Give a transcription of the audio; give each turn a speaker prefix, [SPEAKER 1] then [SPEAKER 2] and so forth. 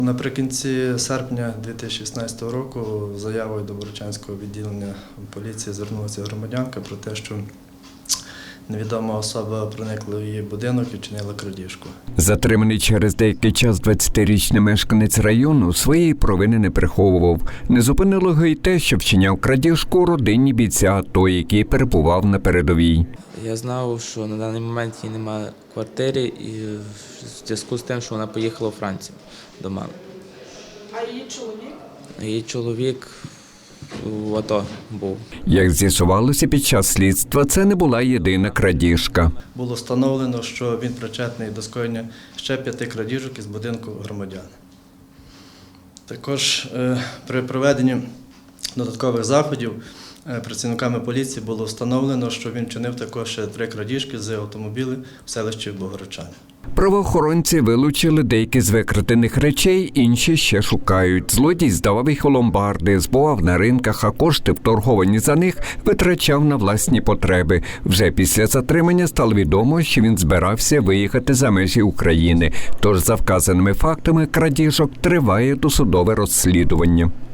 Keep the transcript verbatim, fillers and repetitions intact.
[SPEAKER 1] Наприкінці серпня дві тисячі шістнадцятого року заявою до Богородчанського відділення поліції звернулася громадянка про те, що невідома особа проникла в її будинок і вчинила крадіжку.
[SPEAKER 2] Затриманий через деякий час двадцятирічний мешканець району своєї провини не приховував. Не зупинило його й те, що вчиняв крадіжку у родині бійця АТО, який перебував на передовій.
[SPEAKER 3] Я знав, що на даний момент її немає в квартирі і в зв'язку з тим, що вона поїхала у Францію до мами.
[SPEAKER 4] А її чоловік?
[SPEAKER 3] Її чоловік в АТО був.
[SPEAKER 2] Як з'ясувалося під час слідства, це не була єдина крадіжка.
[SPEAKER 1] Було встановлено, що він причетний до скоєння ще п'яти крадіжок із будинку громадян. Також е, при проведенні додаткових заходів е, працівниками поліції було встановлено, що він вчинив також ще три крадіжки з автомобілів в селищі Богородчани.
[SPEAKER 2] Правоохоронці вилучили деякі з викрадених речей, інші ще шукають. Злодій здавав їх у ломбарди, збував на ринках, а кошти, вторговані за них, витрачав на власні потреби. Вже після затримання стало відомо, що він збирався виїхати за межі України. Тож за вказаними фактами крадіжок триває досудове розслідування.